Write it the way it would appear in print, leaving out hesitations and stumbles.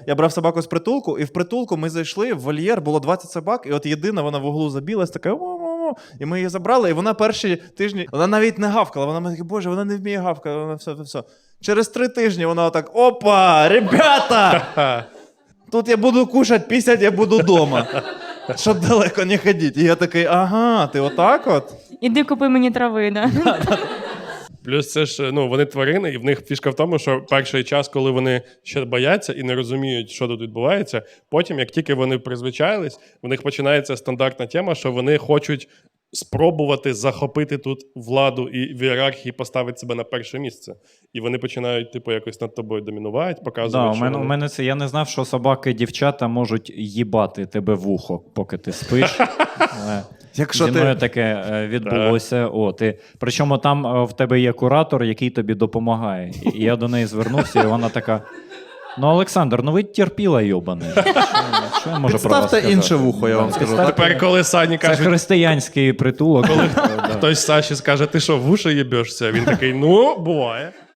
я брав собаку з притулку, і в притулку ми зайшли, в вольєр, було 20 собак, і от єдина вона в углу забілась, така і ми її забрали, і вона перші тижні, вона навіть не гавкала, вона така, боже, вона не вміє гавкати, вона все. Через 3 тижні вона так, опа, ребята, тут я буду кушать, пісять я буду вдома, щоб далеко не ходити. І я такий, ага, ти отак от? Іди купи мені трави, да? Плюс це ж, вони тварини, і в них фішка в тому, що перший час, коли вони ще бояться і не розуміють, що тут відбувається, потім, як тільки вони призвичаїлись, в них починається стандартна тема, що вони хочуть спробувати захопити тут владу і в ієрархії поставити себе на перше місце. І вони починають, якось над тобою домінувати, показувати, у мене це, я не знав, що собаки-дівчата можуть їбати тебе в ухо, поки ти спиш. Якщо зі мною таке відбулося. Причому там в тебе є куратор, який тобі допомагає. І я до неї звернувся, і вона така, Олександр, ви терпіла, йобане. Що я можу про вас сказати? Підставте інше вухо, я вам скажу. Тепер, коли Сані Це кажуть, християнський притулок. хтось Саші скаже, ти що, в уші їбешся? Він такий, буває.